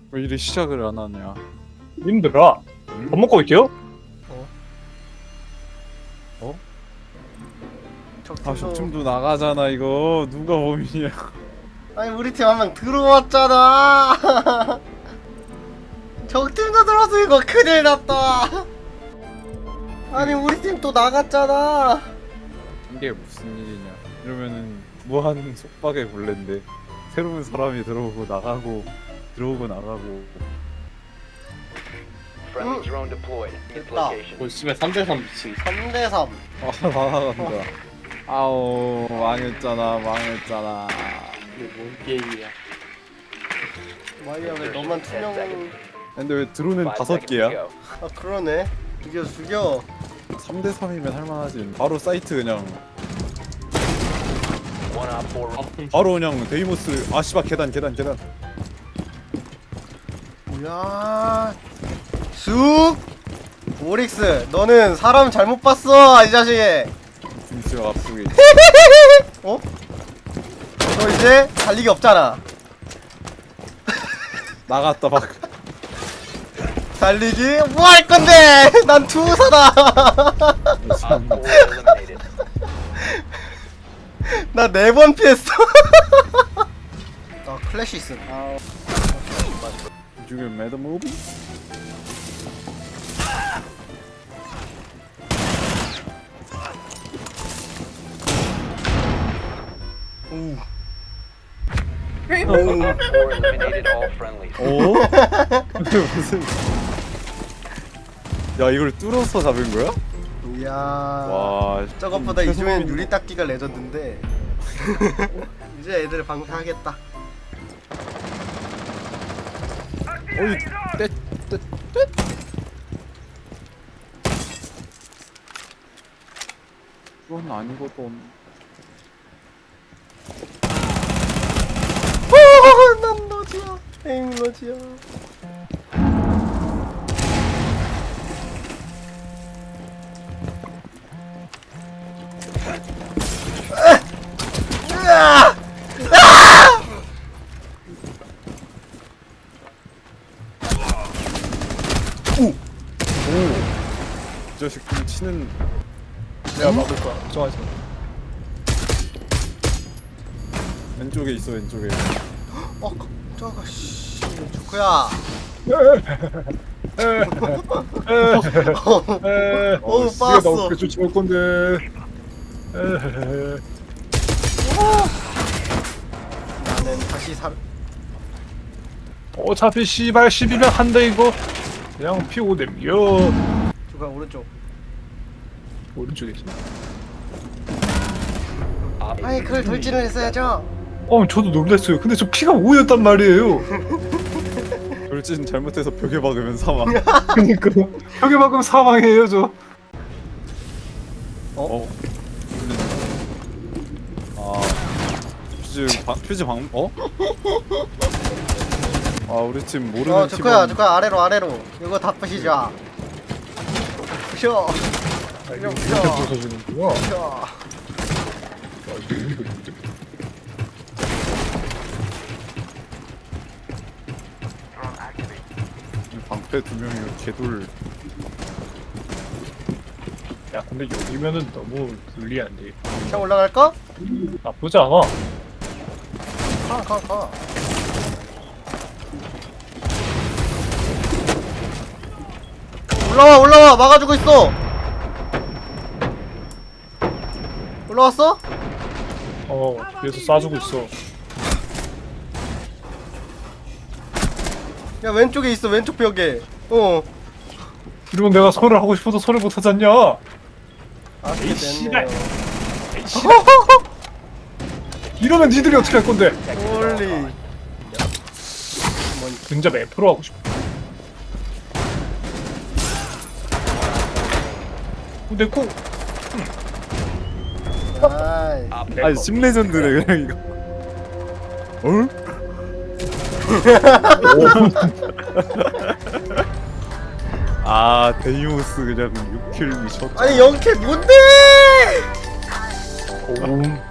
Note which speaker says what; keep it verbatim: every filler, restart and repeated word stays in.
Speaker 1: 왜 이래 시작을 안 하냐?
Speaker 2: 님들아, 밥 먹고 올게요.
Speaker 1: 아 적팀도 나가잖아 이거. 누가 범인이야?
Speaker 3: 아니 우리 팀 한 명 들어왔잖아. 적팀도 들어서 이거 큰일 났다. 아니 우리 팀 또 나갔잖아.
Speaker 1: 이게 무슨 일이냐? 이러면은 무한 속박의 굴레인데 새로운 사람이 들어오고 나가고 들어오고 나가고.
Speaker 4: Friendly drone deployed. Its
Speaker 3: 됐다.
Speaker 4: location.
Speaker 2: 뭐 씨발 삼 대 삼 미친.
Speaker 3: 삼 대 삼.
Speaker 1: 아 나간다. 아우 망했잖아 망했잖아.
Speaker 2: 이게 뭔 게임이야?
Speaker 3: 마이야 왜 너만 투명?
Speaker 1: 근데 왜 드론은
Speaker 4: Five
Speaker 1: 다섯
Speaker 4: seconds
Speaker 1: 개야?
Speaker 4: to go.
Speaker 3: 아 그러네. 죽여 죽여.
Speaker 1: 삼 대 삼이면 할만하지. 바로 사이트 그냥
Speaker 4: One op four.
Speaker 1: 바로 그냥 데이모스. 아 씨발 계단 계단 계단.
Speaker 3: 야, 쑥. 오릭스, 너는 사람 잘못 봤어 이 자식.
Speaker 1: 김치가 앞쪽에 있지.
Speaker 3: 어? 너 이제 달리기 없잖아.
Speaker 1: 나갔다 막.
Speaker 3: 달리기 뭐 할 건데? 난 투사다.
Speaker 4: Op four eliminated.
Speaker 3: 나 네 번 피했어. 아 클래시 있음. 아,
Speaker 1: 지금 매드 무비?
Speaker 3: 우.
Speaker 4: Op four eliminated all friendlies.
Speaker 1: 오? 근데 무슨? 야 이걸 뚫어서 잡은 거야?
Speaker 3: 이야.
Speaker 1: 와.
Speaker 3: 저것보다
Speaker 1: 좀
Speaker 3: 이주엔
Speaker 1: 최소한인데.
Speaker 3: 유리 닦기가 레전드인데. 이제 애들 방사하겠다.
Speaker 1: 어이 떼떼떼 그건 아니거든.
Speaker 3: 어, 난 너지야. 에임 너지야. 으아!
Speaker 1: 이 자식 좀 치는.
Speaker 2: 내가 막을 거야. 걱정하지 마.
Speaker 1: 왼쪽에 있어 왼쪽에.
Speaker 3: 어, 저거 씨, 조크야. 어우,
Speaker 2: 네가
Speaker 3: 빠았어.
Speaker 2: 나 어떻게 쫓아올 건데? 에헤헤.
Speaker 3: 나는 다시 살.
Speaker 2: 어차피 씨발 십이면 한다 이거. 그냥 피고 냄겨.
Speaker 3: 조크야 오른쪽.
Speaker 2: 오른쪽에 있어.
Speaker 4: Op
Speaker 3: 아니 그걸 돌진을 했어야죠.
Speaker 2: 어, 저도 놀랐어요. 근데 저 피가 오였단 말이에요.
Speaker 1: 돌진 잘못해서 벽에 박으면 사망.
Speaker 2: 그니까 벽에 박으면 사망이에요 저.
Speaker 1: 어? 아 퓨즈 방 퓨즈 방 어? 아 우리 팀 모르는
Speaker 3: 어 조크야
Speaker 1: 팀원.
Speaker 3: 조크야 아래로 아래로. 이거 다 부시자. 부셔. 그냥 부셔.
Speaker 2: 부서지는구나.
Speaker 3: 부셔.
Speaker 1: 방패 두 명이면 개돌.
Speaker 2: 야 근데 여기면은 너무 불리한데.
Speaker 3: 그냥 올라갈까?
Speaker 2: 나쁘지 않아.
Speaker 3: 가 가 가. 올라와 올라와 막아주고 있어. 올라왔어?
Speaker 2: 어 뒤에서 쏴주고 있어.
Speaker 3: 야 왼쪽에 있어 왼쪽 벽에. 어.
Speaker 2: 이러면 내가 설을 하고 싶어도 설을 못 하지 않냐?
Speaker 3: 아쉽게
Speaker 2: 에이, 씨발.
Speaker 3: 됐네요.
Speaker 2: 에이씨. 이러면 니들이 어떻게 할 건데?
Speaker 3: 홀리.
Speaker 2: 근접 F로 하고 싶어. 어, 내 코.
Speaker 3: 아이.
Speaker 4: Op
Speaker 2: 내
Speaker 1: 아니
Speaker 2: 거.
Speaker 1: 심레전드네 그냥 이거. 어? 아 데이모스 그냥 육 킬 미쳤다.
Speaker 3: 아니 영캐 뭔데?
Speaker 2: 오.